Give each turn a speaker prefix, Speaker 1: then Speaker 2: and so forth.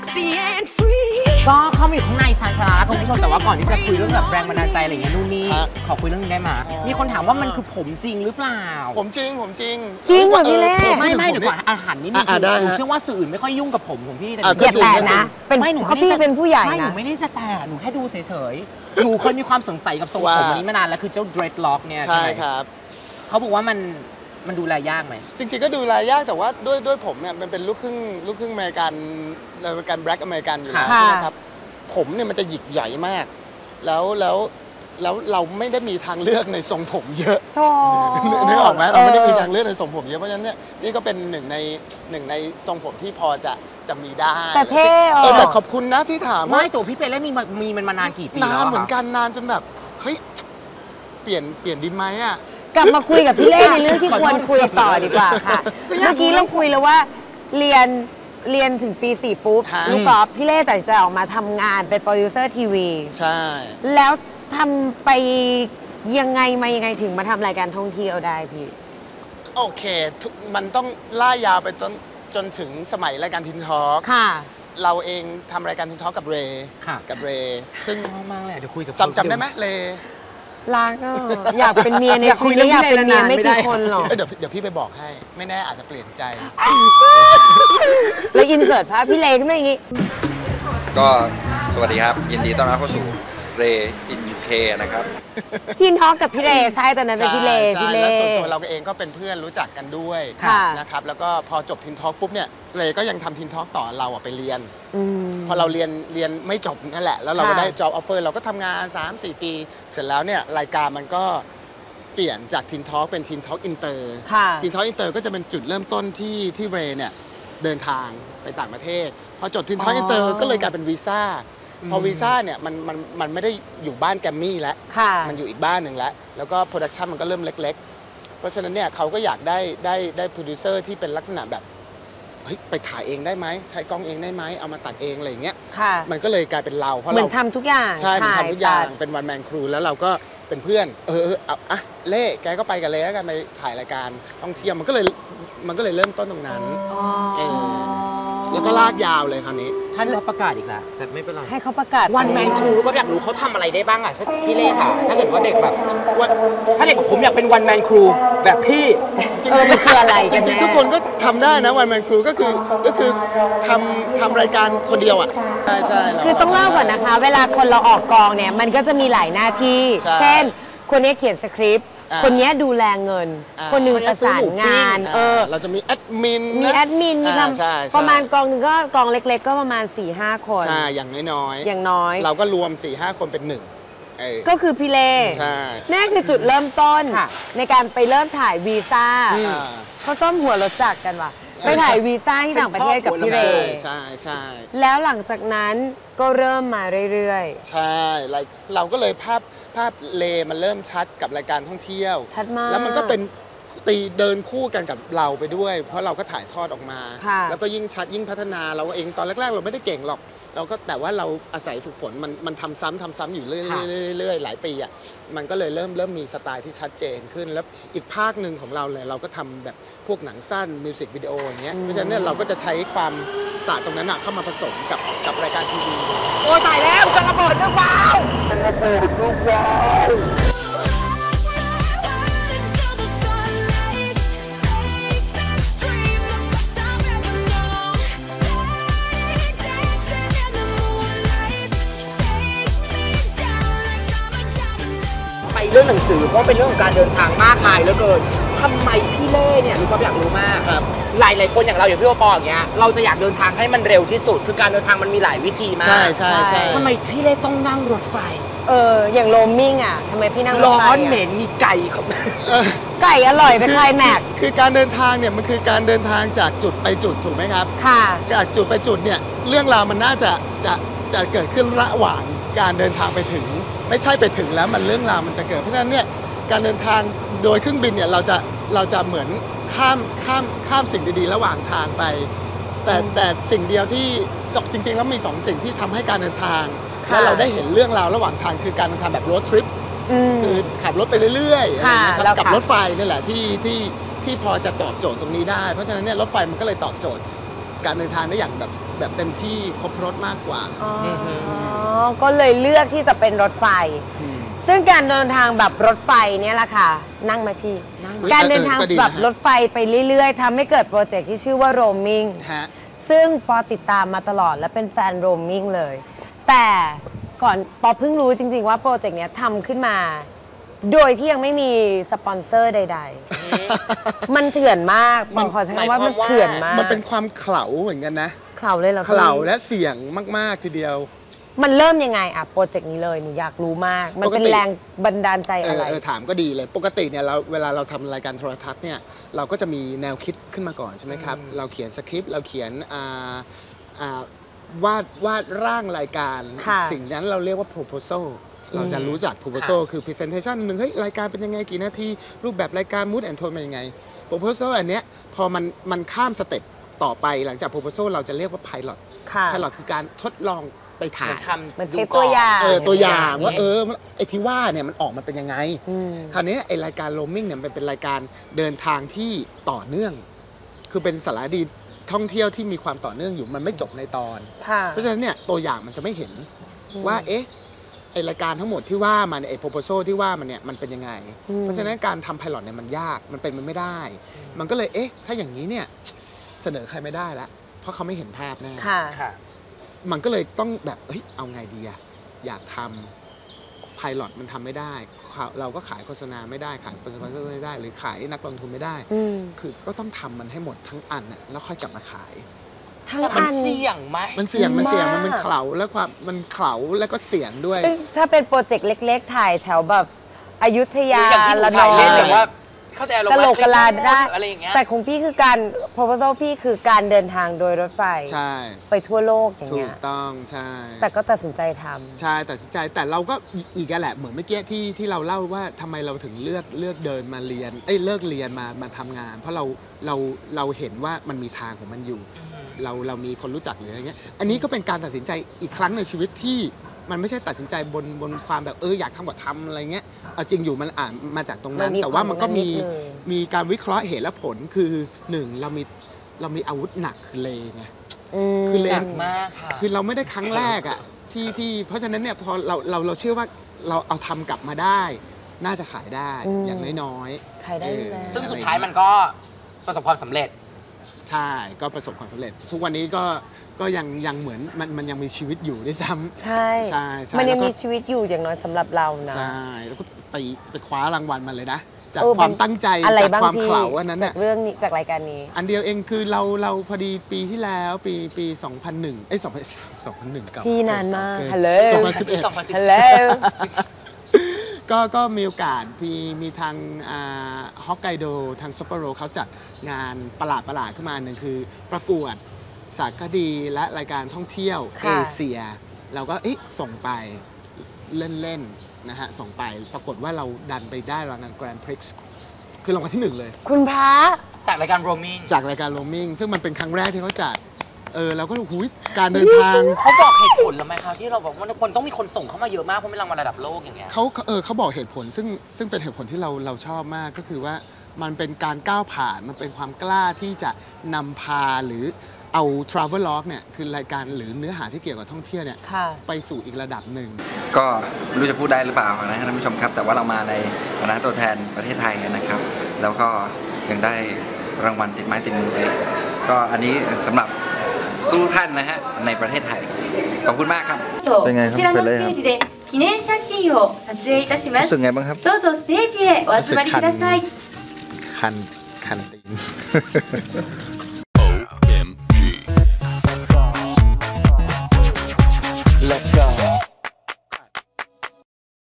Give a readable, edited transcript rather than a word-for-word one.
Speaker 1: ก็เข้ามาอยู่ข้างในชานชาลาคุณผู้ชมแต่ว่าก่อนที่จะคุยเรื่องแบบแรงบันดาลใจอะไรอย่างเงี้ยนู่นนี่ขอคุยเรื่องนี้ได้ไหมมีคนถามว่ามันคือผมจริงหรือเปล่า
Speaker 2: ผมจริง
Speaker 3: จริงเหรอพี่เล่
Speaker 1: ไม่เดี๋ยวก่อนอาหารนิดนึงหนูเชื่อว่าสื่ออื่นไม่ค่อยยุ่งกับผมของพี่แต่
Speaker 3: อย่าแตะนะเป็นเขาพี่เป็นผู้ใหญ่นะ
Speaker 1: หนูไม่ได้จะแตะหนูแค่ดูเฉยๆหนูเคยมีความสงสัยกับทรงผมนี้มานานแล้วคือเจ้า dreadlock เนี่ย
Speaker 2: ใช่ครับ
Speaker 1: เขาบอกว่ามันดูแลยากไหม
Speaker 2: จริงๆก็ดูแลยากแต่ว่าด้วยผมเนี่ยมันเป็นลูกครึ่งอเมริกันแบล็กอเมริกันอยู่แล้วนะครับผมเนี่ยมันจะหยิกใหญ่มากแล้วเราไม่ได้มีทางเลือกในทรงผมเยอะนึกออกไหมเราไม่ได้มีทางเลือกในทรงผมเยอะเพราะฉะนั้นเนี่ยนี่ก็เป็นหนึ่งในทรงผมที่พอจะมีได้
Speaker 3: แต่เท่
Speaker 2: แต่ขอบคุณนะที่ถาม
Speaker 1: ไม่ตัวพี่เป็นแล้วมีมันมานานกี่ปีแล้ว
Speaker 2: นานเหมือนกันนานจนแบบเฮ้ยเปลี่ยนดีไหมอ่ะ
Speaker 3: กลับมาคุยกับพี่เล่ในเรื่องที่ควรคุยต่อดีกว่าค่ะเมื่อกี้เราคุยแล้วว่าเรียนถึงปี 4ปุ๊บลูกกอล์ฟพี่เล่ตัดสินใจออกมาทำงานเป็นโปรดิวเซอร์ทีวี
Speaker 2: ใช่
Speaker 3: แล้วทำไปยังไงถึงมาทำรายการท่องเที่ยวได้พี่
Speaker 2: โอเคมันต้องล่ายาวไปจนถึงสมัยรายการทินทอล์ก
Speaker 3: ค่ะ
Speaker 2: เราเองทำรายการทินทอล์กกับเรซึ่ง
Speaker 1: มากเลยเดี๋ยวคุยกับ
Speaker 2: จำได้ไหมเร
Speaker 3: รักอยากเป็นเมียในชีวิตอยากเป็นเมียไม่กี่คนหรอก
Speaker 2: เดี๋ยวพี่ไปบอกให้ไม่แน่อาจจะเปลี่ยนใจ
Speaker 3: แล้วอินเสิร์ตภาพพี่เล่ขึ้นมาอย่างนี้
Speaker 4: ก็สวัสดีครับยินดีต้อนรับเข้าสู่เรอินเคนะครับ
Speaker 3: ทินทอล์กกับพี่เล่ใช่ตอนนั้นเป็นพี่เล่
Speaker 2: แล้วส่วนตัวเราเองก็เป็นเพื่อนรู้จักกันด้วยนะครับแล้วก็พอจบทินทอล์กปุ๊บเนี่ยเรก็ยังทำทินทอล์กต่อเราไปเรียนพอเราเรียนไม่จบนั่นแหละแล้วเราก็ได้ job offer เราก็ทำงาน 3-4 ปีเสร็จแล้วเนี่ยรายการมันก็เปลี่ยนจากทินทอล์กเป็นทินทอล์กอินเตอร์ทินทอล์กอินเตอร์ก็จะเป็นจุดเริ่มต้นที่เรเนี่ยเดินทางไปต่างประเทศพอจบทินทอล์กอินเตอร์ก็เลยกลายเป็นวีซ่าพอวีซ่าเนี่ยมันไม่ได้อยู่บ้านแกรมมี่แล้วมันอยู่อีกบ้านหนึ่งแล้วก็โปรดักชันมันก็เริ่มเล็กๆเพราะฉะนั้นเนี่ยเขาก็อยากได้โปรดิวเซอร์ที่เป็นลักษณะแบบเฮ้ยไปถ่ายเองได้ไหมใช้กล้องเองได้ไหมเอามาตัดเองอะไรอย่างเงี้ยมันก็เลยกลายเป็นเราเพราะเรา
Speaker 3: เหมือนทำทุกอย่าง
Speaker 2: ใช่เหมือนทำทุกอย่างเป็นวันแมนครูแล้วเราก็เป็นเพื่อนเอาเล่แกก็ไปกันเลยแล้วกันไปถ่ายรายการท่องเที่ยวมันก็เลยเริ่มต้นตรงนั้นแล้วก็ลากยาวเลยคราวนี้
Speaker 1: ท่านรับประกาศอีกแล้วแต่ไม่เป็นไร
Speaker 3: ให้เขาประกาศ
Speaker 1: วันแมนครูก็อยากรู้เขาทำอะไรได้บ้างอ่ะพี่เล่ค่ะถ้าเกิดว่าเด็กแบบถ้าเด็กผมอยากเป็นวันแมนครูแบบพี่
Speaker 3: มันคืออะไร
Speaker 2: จริงๆทุกคนก็ทำได้นะวันแมนครูก็คือทำรายการคนเดียวอ่ะใช่
Speaker 3: คือต้องเล่าก่อนนะคะเวลาคนเราออกกองเนี่ยมันก็จะมีหลายหน้าที่เช่นคนนี้เขียนสคริปต์คนนี้ดูแลเงินคนนึงประสานงาน
Speaker 2: เราจะมีแอดมิน
Speaker 3: มีทำประมาณกองนึงก็กองเล็กๆก็ประมาณ 4-5 คน
Speaker 2: ใช่อย่างน้อย
Speaker 3: เรา
Speaker 2: ก็รวม 4-5 คนเป็นหนึ่ง
Speaker 3: ก็คือพี่เล่นั่นคือจุดเริ่มต้นในการไปเริ่มถ่ายวีซ่าเขาต้มหัวรถจักรกันว่ะไปถ่ายวีซ่าที่ต่างประเทศกับพี่เล่
Speaker 2: ใช่
Speaker 3: แล้วหลังจากนั้นก็เริ่มมาเรื่อย
Speaker 2: ๆใช่เราก็เลยภาพเลมันเริ่มชัดกับรายการท่องเที่ยว
Speaker 3: ชัดมาก
Speaker 2: แล้วมันก็เป็นเดินคู่กันกับเราไปด้วยเพราะเราก็ถ่ายทอดออกมาแล้วก็ยิ่งชัดยิ่งพัฒนาเราเองตอนแรกๆเราไม่ได้เก่งหรอกเราก็แต่ว่าเราอาศัยฝึกฝนมันทำซ้ำอยู่เรื่อยหลายปีอ่ะมันก็เลยเริ่มมีสไตล์ที่ชัดเจนขึ้นแล้วอีกภาคหนึ่งของเราเลยเราก็ทำแบบพวกหนังสั้นมิวสิกวิดีโออย่างเงี้ยเพราะฉะนั้นเราก็จะใช้ความศาสตร์ตรงนั้นเข้ามาผสมกับรายการทีวี
Speaker 1: โอ้ตายแล้วจะระเบิดหรือเปล่าเรื่องหนังสือเพราะเป็นเรื่องของการเดินทางมากมายเหลือเกินทำไมพี่เล่เนี่ยรู้ก็อยากรู้มากหลายคนอย่างเราอย่างพี่โอปออย่างเงี้ยเราจะอยากเดินทางให้มันเร็วที่สุดคือการเดินทางมันมีหลายวิธีมาก
Speaker 2: ใช่
Speaker 1: ทำไมพี่เล่ต้องนั่งรถไฟ
Speaker 3: อย่างโรมมิ่งอ่ะทำไมพี่นั่งรถไฟ
Speaker 1: ร้อนเหม็นมีไก่ครับ
Speaker 3: ไก่อร่อยไปคลายแม็ก
Speaker 2: คือการเดินทางเนี่ยมันคือการเดินทางจากจุดไปจุดถูกไหมครับ
Speaker 3: ค่ะ
Speaker 2: จากจุดไปจุดเนี่ยเรื่องราวมันน่าจะเกิดขึ้นระหว่างการเดินทางไปถึงไม่ใช่ไปถึงแล้วมันเรื่องราวมันจะเกิดเพราะฉะนั้นเนี่ยการเดินทางโดยเครื่องบินเนี่ยเราจะเหมือนข้ามสิ่งดีๆระหว่างทางไปแต่สิ่งเดียวที่จริงๆแล้วมี2สิ่งที่ทำให้การเดินทางและเราได้เห็นเรื่องราวระหว่างทางคือการเดินทางแบบโรดทริปคือขับรถไปเรื่อยๆกับรถไฟนี่แหละที่พอจะตอบโจทย์ตรงนี้ได้เพราะฉะนั้นเนี่ยรถไฟมันก็เลยตอบโจทย์การเดินทางได้อย่างแบบแบบเต็มที่ครบรถมากกว่า
Speaker 3: อ๋อก็เลยเลือกที่จะเป็นรถไฟ ซึ่งการเดินทางแบบรถไฟเนี่ยแหละค่ะ นั่งไหมพี่ การเดินทางแบบรถไฟไปเรื่อยๆทำให้เกิดโปรเจกต์ที่ชื่อว่าโรมมิ่ง
Speaker 2: ฮะ
Speaker 3: ซึ่งปอติดตามมาตลอดและเป็นแฟนโรมมิ่งเลย แต่ก่อนปอเพิ่งรู้จริงๆว่าโปรเจกต์เนี้ยทำขึ้นมา โดยที่ยังไม่มีสปอนเซอร์ใดๆ มันเถื่อนมากปอขอใช้คำว่ามันเถื่อนมาก
Speaker 2: มันเป็นความเขลาเหมือนกันนะ
Speaker 3: เข่าเลยเหรอ
Speaker 2: เขลาและเสี่ยงมากๆทีเดียว
Speaker 3: มันเริ่มยังไงอะโปรเจกต์นี้เลยหนูอยากรู้มาก มันเป็น
Speaker 2: ปกติ
Speaker 3: แรงบันดาลใจอะไร
Speaker 2: ถามก็ดีเลย ปกติเนี่ยเวลาเราทำรายการโทรทัศน์เนี่ยเราก็จะมีแนวคิดขึ้นมาก่อนใช่ไหมครับ เราเขียนสคริปต์เราเขียนวาดร่างรายการ
Speaker 3: ค่ะ
Speaker 2: สิ่งนั้นเราเรียกว่า proposal เราจะรู้จัก proposal คือ presentation หนึ่งเฮ้ยรายการเป็นยังไงกี่นาทีรูปแบบรายการ mood and tone เป็นยังไง proposal อันเนี้ยพอมันข้ามสเต็ปต่อไปหลังจาก proposal เราจะเรียกว่า pilot
Speaker 3: ค่ะ
Speaker 2: pilot คือการทดลองไปถ่าย
Speaker 3: มันเทปตัวอย่าง
Speaker 2: ตัวอย่างว่าไอ้ที่ว่าเนี่ยมันออกมาเป็นยังไง
Speaker 3: อืม
Speaker 2: คราวนี้ไอ้รายการโรมมิ่งเนี่ยมันเป็นรายการเดินทางที่ต่อเนื่อง คือเป็นสารคดีท่องเที่ยวที่มีความต่อเนื่องอยู่มันไม่จบในตอน
Speaker 3: ค่ะ
Speaker 2: เพราะฉะนั้นเนี่ยตัวอย่างมันจะไม่เห็นว่าเอ๊ะไอ้รายการทั้งหมดที่ว่ามันไอ้ proposal ที่ว่ามันเนี่ยมันเป็นยังไง เพราะฉะนั้นการทำ pilot เนี่ยมันยากมันเป็นมันไม่ได้ มันก็เลยเอ๊ะถ้าอย่างนี้เนี่ยเสนอใครไม่ได้ละเพราะเขาไม่เห็นภาพแน่
Speaker 3: ค่ะ
Speaker 1: ค่ะ
Speaker 2: มันก็เลยต้องแบบเฮ้ยเอาไงดีอะอยากทำไพลอตมันทำไม่ได้ เราก็ขายโฆษณาไม่ได้ขายสปอนเซอร์ไม่ได้ หรือขายนักลงทุนไม่ได้
Speaker 3: อืม
Speaker 2: คือก็ต้องทำมันให้หมดทั้งอันน่ะแล้วค่อยกลับมาขาย
Speaker 3: ทั้ง
Speaker 1: แต่มัน
Speaker 3: อัน
Speaker 1: เสี่ยงไหม
Speaker 2: มันเสี่ยงมัน
Speaker 3: มาก
Speaker 2: เป็นเข่าแล้วความมันเข่าแล้วก็เสี่ยงด้วย
Speaker 3: ซึ่งถ้าเป็นโปรเจกต์เล็กๆ ถ่ายแถวแบบอยุธยา
Speaker 1: อย่างที่หนู
Speaker 3: ละน
Speaker 1: ถ่าย
Speaker 3: อ
Speaker 1: เล่น
Speaker 3: ง
Speaker 1: แบบว่าเข้าใจอารม
Speaker 3: กะ
Speaker 1: ณ์
Speaker 3: โหลกกะลาได้
Speaker 1: อะไรอย่างเงี้ย
Speaker 3: แต่ของพี่คือการ proposal พี่คือการเดินทางโดยรถไฟ
Speaker 2: ใช่
Speaker 3: ไปทั่วโลกอย่าง
Speaker 2: ถู
Speaker 3: เงี้
Speaker 2: ก
Speaker 3: ย
Speaker 2: ต้องใช่
Speaker 3: แต่ก็ตัดสินใจทำ
Speaker 2: ใช่ตัดสินใจแต่เราก็อีกแหละเหมือนเมื่อกี้ที่เราเล่าว่าทำไมเราถึงเลือกเดินมาเรียนเลิกเรียนมาทำงาน เพราะเราเห็นว่ามันมีทางของมันอยู่ เรามีคนรู้จักหรืออะไรเงี้ย อันนี้ก็เป็นการตัดสินใจอีกครั้งในชีวิตที่มันไม่ใช่ตัดสินใจบนความแบบอยากทำก็ทำอะไรเงี้ยเอาจริงอยู่มันมาจากตรงนั้น
Speaker 3: มันมี
Speaker 2: แต่ว่ามันก็
Speaker 3: ความ
Speaker 2: มี
Speaker 3: นิดนึง
Speaker 2: มีการวิเคราะห์เหตุและผลคือหนึ่งเรามีอาวุธหนักคือเลไง คือเล
Speaker 1: หนักมากค่ะ
Speaker 2: คือเราไม่ได้ครั้งแรกอะที่เพราะฉะนั้นเนี่ยพอเราเชื่อว่าเราเอาทำกลับมาได้ น่าจะขายได้
Speaker 3: อืม
Speaker 2: อย่างน้อย
Speaker 3: ขายได้อยู่แล้ว
Speaker 1: ซึ่งสุดท้ายมันก็ประสบความสำเร็จ
Speaker 2: ใช่ก็ประสบความสำเร็จ ทุกวันนี้ก็ยังเหมือนมันยังมีชีวิตอยู่ด้วยซ้ำ
Speaker 3: ใช่
Speaker 2: ใช่ใช่
Speaker 3: มันยัง
Speaker 2: แล้วก็
Speaker 3: มีชีวิตอยู่อย่างน้อยสำหรับเรานะ
Speaker 2: ใช่แล้วก็ไปคว้ารางวัลมาเลยนะ จาก
Speaker 3: เออ
Speaker 2: ความตั้งใจ
Speaker 3: อะไร
Speaker 2: จาก
Speaker 3: บ้าง
Speaker 2: ความ
Speaker 3: พี่
Speaker 2: เขลาอันนั้น
Speaker 3: จา
Speaker 2: น่ะ
Speaker 3: กเรื่องนี้จากรายการนี้
Speaker 2: อันเดียวเองคือเราพอดีปีที่แล้วปี 2001 2001เก่า
Speaker 3: พี่นานมาก
Speaker 2: เกิน
Speaker 3: ฮัลโหล
Speaker 2: 2011
Speaker 3: ฮัลโหล
Speaker 2: ก็มีโอกาสมีทางฮอกไกโดทางซัปโปโรเขาจัดงานประหลาดขึ้นมาหนึ่งคือประกวดสารคดีและรายการท่องเที่ยว
Speaker 3: ค่ะ
Speaker 2: เอเชีย เราก็ส่งไปเล่นๆนะฮะส่งไปปรากฏว่าเราดันไปได้รางวัลแกรนด์พริกซ์คือรางวัลที่ 1 เลย
Speaker 3: คุณพระ
Speaker 1: จากรายการโรมมิ่ง
Speaker 2: จากรายการโรมมิ่งซึ่งมันเป็นครั้งแรกที่เขาจัดเราก็หูยการเดินทาง
Speaker 1: เขาบอกเหตุผลแล้วไหมคะที่เราบอกว่าคนต้องมีคนส่งเข้ามาเยอะมากเพราะเป็นรางวัลระดับโลกอย่างเงี้ย
Speaker 2: เขาบอกเหตุผลซึ่งเป็นเหตุผลที่เราชอบมากก็คือว่ามันเป็นการก้าวผ่านมันเป็นความกล้าที่จะนำพาหรือเอา travel log เนี่ยคือรายการหรือเนื้อหาที่เกี่ยวกับท่องเที่ยวเนี่ย
Speaker 3: ค่ะ
Speaker 2: ไปสู่อีกระดับหนึ่ง
Speaker 4: ก็ไม่รู้จะพูดได้หรือเปล่านะท่านผู้ชมครับ แต่ว่าเรามาในฐานะตัวแทนประเทศไทยนะครับ แล้วก็ยังได้รางวัลติดไม้ติดมือไปก็อันนี้สำหรับทุกท่านนะฮะในประเทศไทยขอบคุณมากครับ เป็นไงครับ
Speaker 5: こちらのステージで記念写真を撮影いたしま
Speaker 4: รู้
Speaker 5: す
Speaker 4: สึกไงบ้างครับ
Speaker 5: どうぞステージへお集まりください
Speaker 2: คันตีน